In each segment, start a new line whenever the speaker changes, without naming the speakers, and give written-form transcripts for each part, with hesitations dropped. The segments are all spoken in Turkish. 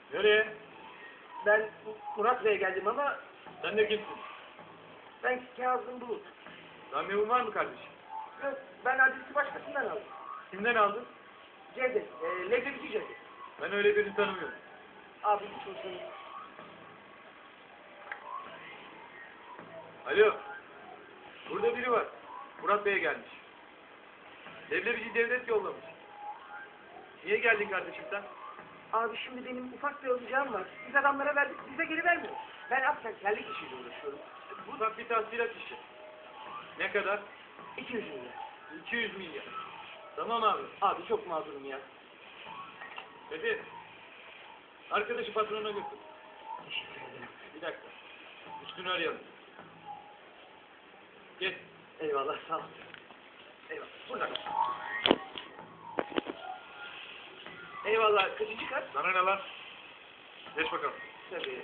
Nereye?
Ben Murat Bey'e geldim ama
Sen de kimsin?
ben Kazım Bulut.
Randevun var mı kardeşim?
Yok, ben adresi başkasından aldım.
Kimden aldın?
Cevdet, Leblebici Cevdet.
Ben öyle birini tanımıyorum.
Abi hiç olsun.
Alo. Burada biri var. Murat Bey'e gelmiş. Leblebici devlet yollamış. Niye geldin kardeşim sen?
Abi şimdi benim ufak bir alacağım var. Biz adamlara verdik, bize geri vermiyor. Ben askerlik işiyle uğraşıyorum.
Bu da bir tahsilat işi. Ne kadar?
200 milyar.
200 milyar. Tamam abi.
Abi çok mağdurum ya.
Fethi. Arkadaşı patrona götür.
Teşekkür ederim.
Bir dakika. Üstünü arayalım. Gel.
Eyvallah, sağ ol. Eyvallah, burada. Eyvallah, kaçıncı kat?
Sana ne lan? Geç bakalım.
Tabii.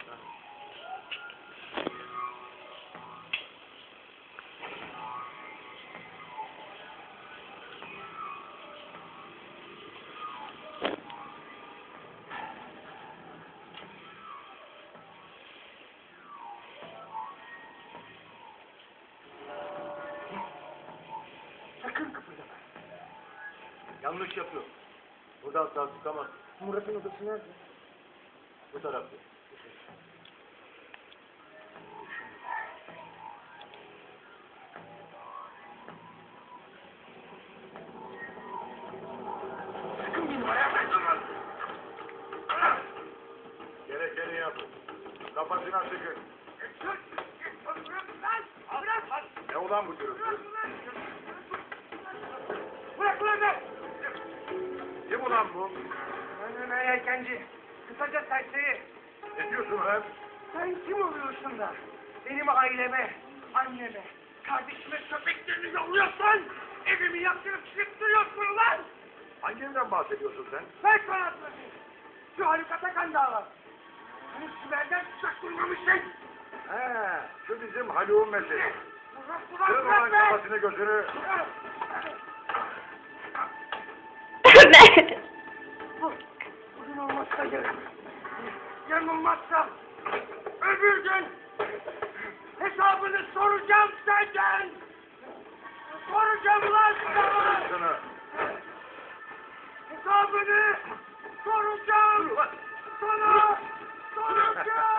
Sakın kıpırdama.
Yanlış yapıyor. Buradan sağ çıkamaz.
Murat'ın odası nerede?
Bu tarafta.
Sakın benim ayağımdan durma.
Gerekeni yap. Kafasına sıkın. Ne ulan bu gürültü?
Bırak ulan be!
Kim ulan bu?
Ben yelkenci. Kısaca serseri.
Ne diyorsun lan?
Sen kim oluyorsun da? Benim aileme, anneme, kardeşime köpeklerini yolluyorsun! Evimi yaktırıp çıktırıyorsun ulan!
Hangi evden bahsediyorsun sen?
Ver sana atlasın! Şu Haluk Atakan dağı. Hani Sümer'den tuzak kurmamışsın!
He, şu bizim Haluk'un meselesi.
Bırak
Kırın ulan kafasını gözünü.
Bugün olmazsa yarın. Yarın olmazsa öbür gün hesabını soracağım senden. Soracağım lan sana.
Sana.
Hesabını soracağım. Sana soracağım.